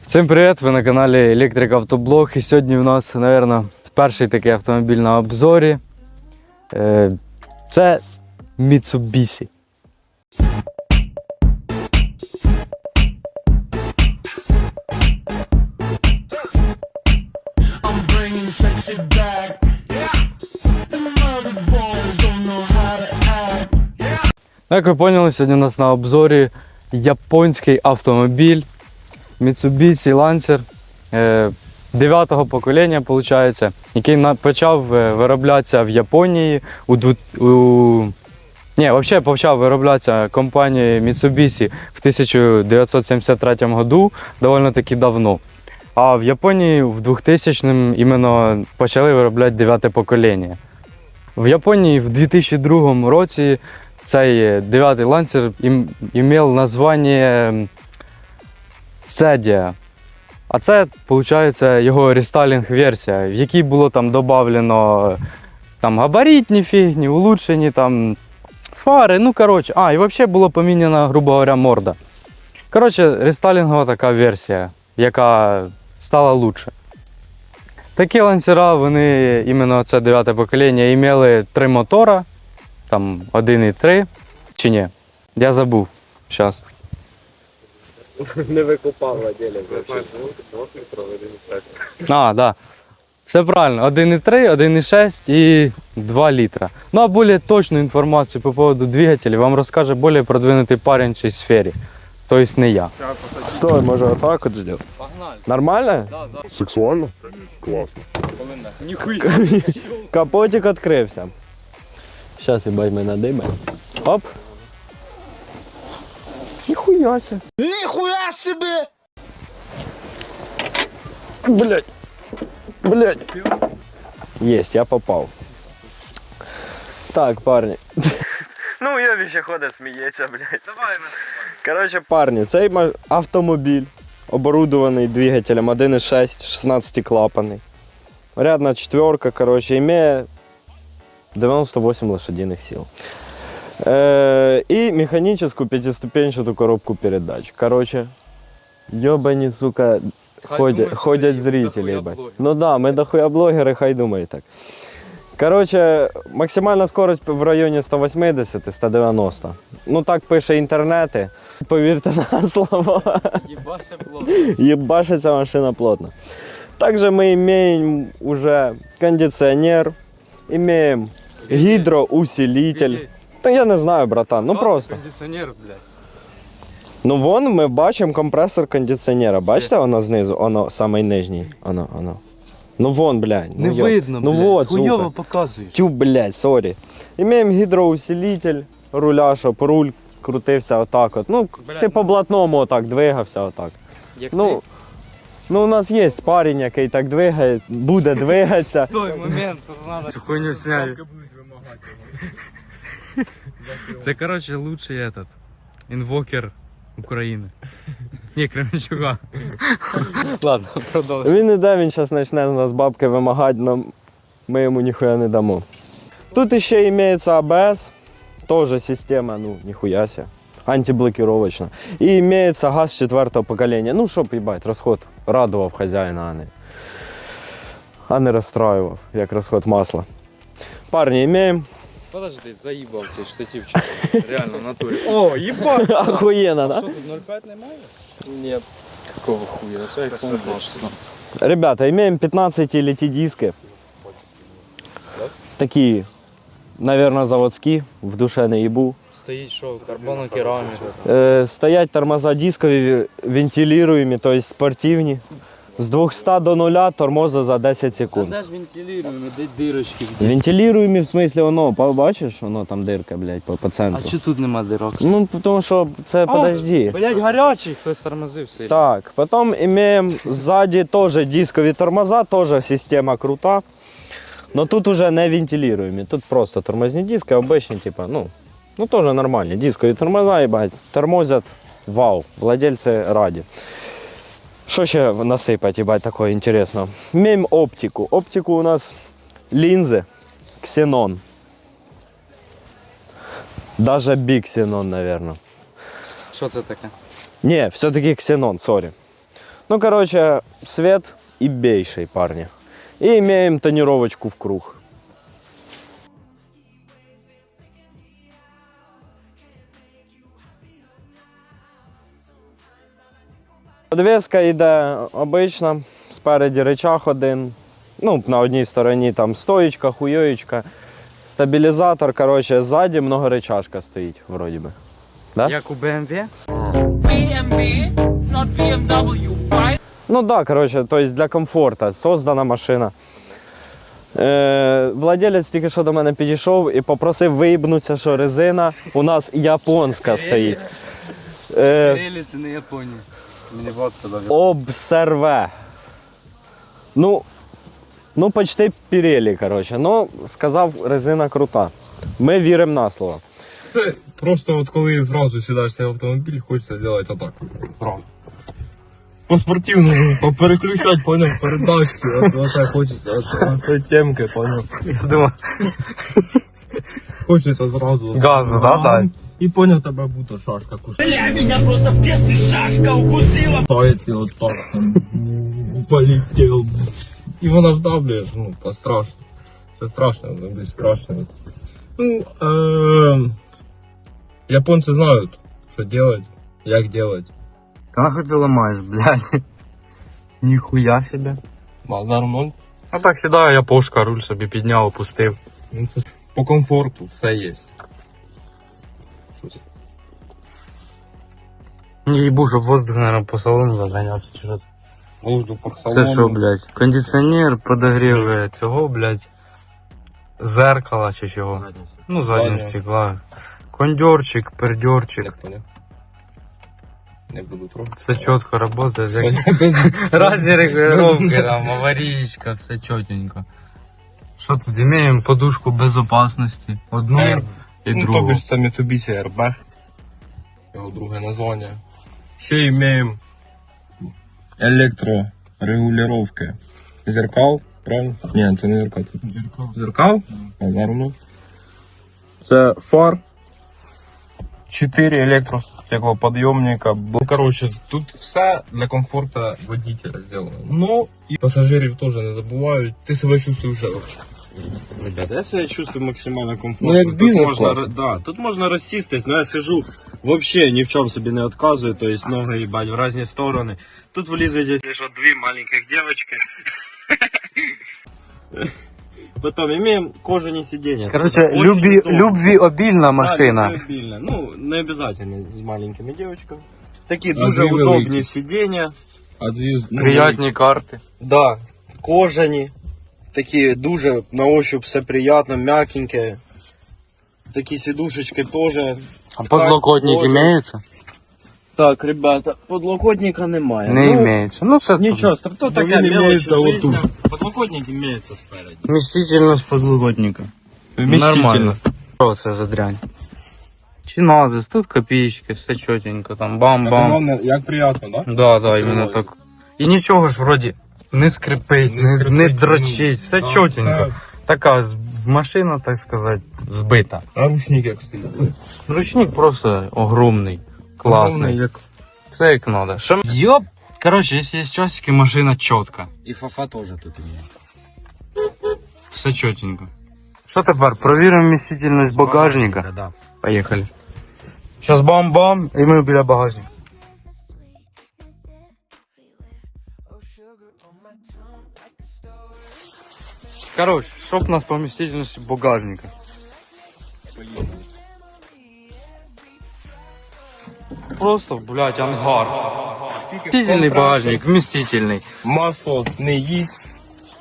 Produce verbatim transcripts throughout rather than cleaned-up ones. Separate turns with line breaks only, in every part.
Всім привіт! Ви на каналі Електрик Автоблог. І сьогодні у нас, мабуть, перший такий автомобіль на обзорі. Це Mitsubishi. Як ви поняли, сьогодні у нас на обзорі японський автомобіль Mitsubishi Lancer дев'ятого покоління, виходить, який почав вироблятися в Японії у, у... Ні, взагалі почав вироблятися компанією Mitsubishi в тисяча дев'ятсот сімдесят третьому году, доволі таки давно. А в Японії в двохтисячному іменно почали виробляти дев'яте покоління. В Японії в дві тисячі другому році цей дев'ятий Lancer мав названня Sedia. А це, виходить, його рестайлінг-версія, в якій було там додавлено там, габаритні фігні, улучшені там, фари, ну коротше, а, і взагалі було поміняна, грубо говоря, морда. Коротше, рестайлінгова така версія, яка стала лучше. Такі лансера, вони, іменно це дев'яте покоління, мали три мотора, там один і три, чи ні? Я забув, зараз.
Не викупав владелец.
А, так. Да. Все правильно. один і три, один і шість і два літра. Ну а більш точну інформацію по поводу двигателя вам розкаже більш продвинутий парень в цій сфері. Тобто не я.
Стой, може отак от зробити?
Погнали.
Нормально?
Да, да.
Сексуально? Класно.
Ніхуя.
Капотик відкрився. Зараз, їбать, ми надиме. Оп. Ніхуя себе. Ніхуя себе! Блять. Блять. Єсть, я попав. Так, парні. Ну, я ще ходить, сміється, блять. Давай, на. Коротше, парні, цей автомобіль оборудований двигателем один і шість, шістнадцятиклапанний. Рядна четверка, коротше, має дев'яносто вісім лошадиних сил. Э, и механическую пятиступенчатую коробку передач. Короче, ёбани, сука, ходят, ходят зрители, ебать. Ну да, мы дохуя блогеры, хай думай так. Короче, максимальна скорость в районі сто вісімдесят - сто дев'яносто. Ну так пише інтернети. Повірте на слово.
Ебаше плотно.
Ебашится машина плотно. Также мы имеем уже кондиционер, имеем гидроусилитель. Та я не знаю, братан, ну просто.
Кондиціонер, блядь.
Ну вон ми бачимо компресор кондиціонера. Бачите, воно знизу, воно самий нижній. Воно, воно. Ну вон, блядь.
Не
ну,
видно,
ну,
блядь.
Вот,
хуйово
сука.
показуєш.
Тю, блядь, сорі. Імеємо гідроусилитель руля, щоб руль крутився отак от. Ну,
Блядь,
ти по блатному отак двигався отак.
Як
Ну, ну у нас є парень, який так двигає, буде двигатися.
Стой, момент, тут надо. Цю хуйню сняли. Це, короче, лучший этот інвокер України. Ні, Кременчука. Ладно, продовжуй.
Він іде, він зараз почне у нас бабки вимагати, але ми йому ніхуя не дамо. Тут ще імеється А Б С, теж система, ну, ніхуя ся, антиблокировочна. І імеється газ четвертого покоління, ну, щоб, їбать, розход радував хазяїна, а не, а не розстраював, як розход масла. Парні, імеємо.
Подожди, заїбав цей штативчик. Реально, в натурі. О, їбать!
Охуєнно, да?
Що тут нуль п'ять немає? Ні. Какого хуя? Це айфон двадцять.
Ребята, имеем пятнадцать эл ти диски. Такие, наверное, заводские, в душе не ебу.
Стоїть що, карбонокерамік.
Э, стоять тормоза дискові, вентилируемі, то есть спортивні. З двохсот до нуля тормоза за десять секунд.
Де ж вентилюємо, де дирочки?
Вентилируемі, в смысле, воно, бачиш, воно там дирка, блядь, по, по центру.
А чого тут нема дирок?
Ну, тому що це, подожди.
Блять, гарячий, хтось тормозив сильно.
Так, потом имеем сзади тоже дисковые тормоза, тоже система крута. Но тут уже не вентилируемые, тут просто тормозные диски, обычные, типа, ну, ну тоже нормальные. Дисковые тормоза, ебать, тормозят, вау, владельцы ради. Что еще насыпать, ебать, такое интересно? Имеем оптику. Оптику у нас линзы, ксенон. Даже биксенон, наверное.
Що це таке?
Не, все-таки ксенон, сори. Ну, короче, свет и бейший, парни. И имеем тонировочку в круг. Подвеска йде обична, спереді рычаг один, ну, на одній стороні там стоїчка, хуйоєчка, стабілізатор, коротше, ззаді многорычажка стоїть, вроді би. Да?
Як у бі ем ві?
B M W, not B M W, right?
Ну да, коротше, то есть для комфорту создана машина. Е, владелець тільки що до мене підійшов і попросив виїбнутися, що резина у нас японська стоїть. Е,
Pirelli це не Японія. Мені Влад сказав.
Обсерве. Ну, ну почти Pirelli, коротше. Ну, сказав, резина крута. Ми віримо на слово.
Це просто от коли зразу сідаєшся в автомобіль, хочеться зробити отак. Зразу. По-спортивному, попереключати, поняв, передачки, от, от так хочеться, от, от цієї темки, поняв.
Я думаю,
Хочеться зразу.
Газу, да, дай?
І поняв, тебе будто шашка кусила. Бля, мене просто в детстве шашка укусила. Таєте от так, там, полетів. І вона вдавлюєш, ну, по-страшно. Це страшно, ну, блін, страшно. Ну, е- японці знають, що делать, як делать.
Та нахуй ти ламаєш, блядь. Ніхуя себе.
Базар ноль.
А так сідаю, я пошка, руль собі підняв, опустив.
Ну, це ж по комфорту все є. Що це?
Не їбу, щоб воздух, наверное, по салону заганявся, чи що це?
Воздух по
Це
салону.
що, блядь? Кондиціонер, подогрів е, цього, блядь, зеркала чи чого? Ну, заднього
Заднього.
стекла. Кондьорчик, пердьорчик.
Не поняв. Не буду трогати.
Все чітко працює.
Сьогодні без...
Разные регулировки, там, аварийка, все четенько. Что тут имеем? Подушку безопасности. Одну
Air.
и
Ну,
другу.
тобі ж це Mitsubishi ар бі. Його друге названня. Ще маємо електрорегулювання зеркал, правильно? Ні, це не зеркал. Це зеркал. Зеркал? Аlarm. Це фар. Чотири електростеклоподйомника. Бо, коротше, тут все для комфорту водителя зроблено. Ну, і пасажирів теж не забувають. Ти себе чувствуєш вже вообще.
Ребята, я себя чувствую максимально комфортно.
Ну, як в
Тут
бізнес-класі.
можна, да, тут можна розсістись, но я сижу вообще ні в чому собі не відказую, то есть ноги їбать в різні сторони. Тут влізуть якщо що дві маленьких девочки. Потом имеем кожані сиденья.
Короче,
Очень
люби,
удобно.
любвеобильна
Да,
машина.
любвеобильна. Ну, не обязательно з маленькими девочками. Такі
А
дуже
дві
удобні
великі.
сидіння.
А дві... ну,
Приятні карти.
Да, кожані. Такі дуже на ощупь все приятно, м'якеньке. Такі сидушечки тоже.
А подлокотник
тоже.
имеется?
Так, ребята, подлокотника немає.
Не
ну,
имеется. Ну, все
Нічого, то
Бо
таке
він
мелочь
імеється
жизни.
отут.
Подлокотник имеется спереди.
Вместительность подлокотника. Нормально. Что это за дрянь? Чиназис, тут копеечки, все четенько, там бам-бам.
Головне, як приємно, да?
Да, да, именно
Ой.
так. І нічого ж вроді не скрипить, не, не,
скрипить,
дрочить, все
да,
чотенько.
все.
Така з- машина, так сказати, збита.
А ручник як стоїть?
Ручник просто огромний, класний.
Огромний, як...
Все як надо. Що... Йоп! Короче, якщо є часики, машина чітка.
І фафа теж тут є.
Все чотенько. Що тепер? Провіримо вмістительність багажника.
Да.
Поїхали. Зараз бам-бам, і ми біля багажника. Короче, що в нас по вмістительності багажника? Просто, блядь, ангар. Вместительный багажник, вместительный.
Масло не їсть.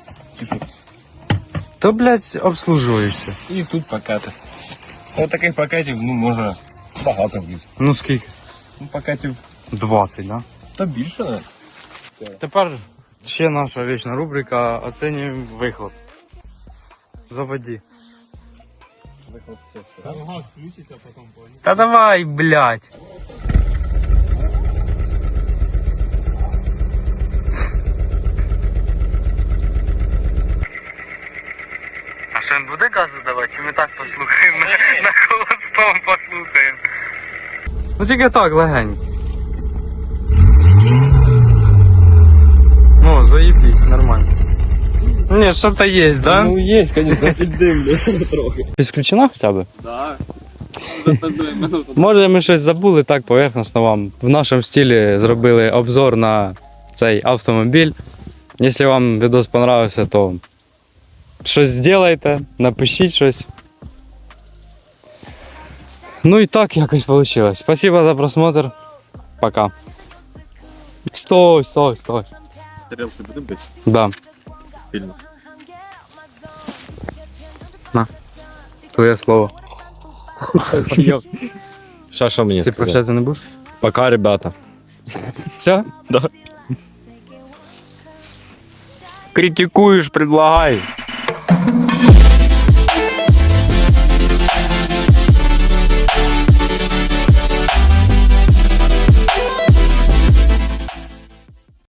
То, блядь, обслуживаешься.
І тут пакети. Ось таких пакетів, ну, може, багато вліз.
Ну скільки?
Ну, пакетів
двадцять, да?
та більше, не?
Тепер ще наша вічна рубрика оцінюємо вихлоп. Заводи.
Газ включить, а потім поїде.
Та давай, блядь. А що він буде газу давати? Чи ми так послухаємо? На, на холостом послухаємо. Ну тільки так, легенько. заебись, нормально. Не, что-то есть, да?
Ну є, звісно, піддим трохи.
Підключена хоча б?
Так.
Може, ми щось забули так поверхностно вам. В нашому стилі зробили обзор на цей автомобіль. Якщо вам відос понравився, то щось зробите, напишіть щось. Ну і так якось вийшло. Спасибо за просмотр. Пока. Стой, стой, стой.
Тарелки будем бити?
Да.
Сильно.
Твоє слово.
Що, що мені
Ти
сказати?
прощатися не будеш?
Пока, ребята.
Все?
Да.
Критикуєш, предлагай.